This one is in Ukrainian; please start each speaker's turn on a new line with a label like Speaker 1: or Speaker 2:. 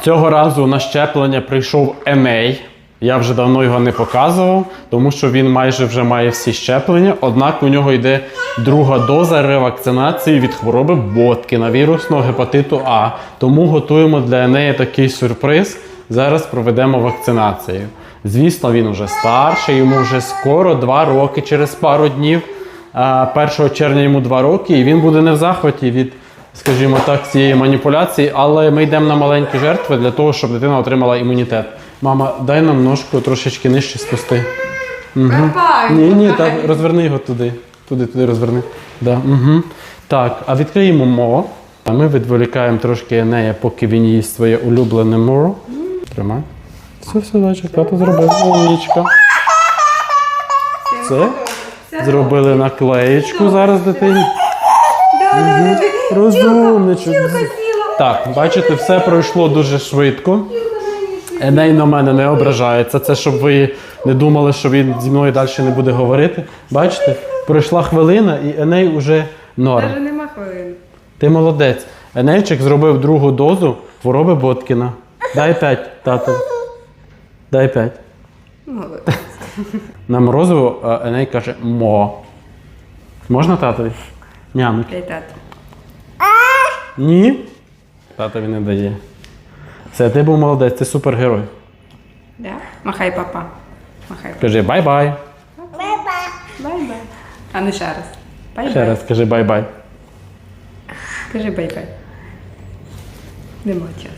Speaker 1: Цього разу на щеплення прийшов Еней. Я вже давно його не показував, тому що він майже вже має всі щеплення. Однак у нього йде друга доза ревакцинації від хвороби Боткіна, вірусного гепатиту А. Тому готуємо для Енея такий сюрприз. Зараз проведемо вакцинацію. Звісно, він вже старший, йому вже скоро 2 роки, через пару днів. 1 червня йому 2 роки, і він буде не в захваті від, скажімо так, цієї маніпуляції, але ми йдемо на маленькі жертви для того, щоб дитина отримала імунітет. Мама, дай нам ножку трошечки нижче спусти. Угу. Ні, так, розверни його туди. Туди розверни. Да, угу. Так, а відкриємо мо. А ми відволікаємо трошки Енея, поки він їсть своє улюблене мо. Тримай. Все, дальше, тато зробив. Умнічка. Це? Зробили наклеєчку зараз дитині. Угу. Розумничок. Так, бачите, все пройшло дуже швидко. Еней на мене не ображається. Це щоб ви не думали, що він зі мною далі не буде говорити. Бачите, пройшла хвилина і Еней уже норм.
Speaker 2: Навіть нема хвилин.
Speaker 1: Ти молодець. Енейчик зробив другу дозу хвороби Боткіна. Дай 5, тато. Дай 5.
Speaker 2: Молодець.
Speaker 1: На морозиво Еней каже мо. Можна татові? Нямик.
Speaker 2: Дай тато.
Speaker 1: Ні. Татові не дає. Все, ти був молодець, ти супергерой.
Speaker 2: Да? Махай, папа. Махай.
Speaker 1: Кажи бай-бай.
Speaker 2: Бай-бай. А ну ще раз. Бай-бай.
Speaker 1: Ще раз кажи бай-бай.
Speaker 2: Кажи бай-бай. Нема часу.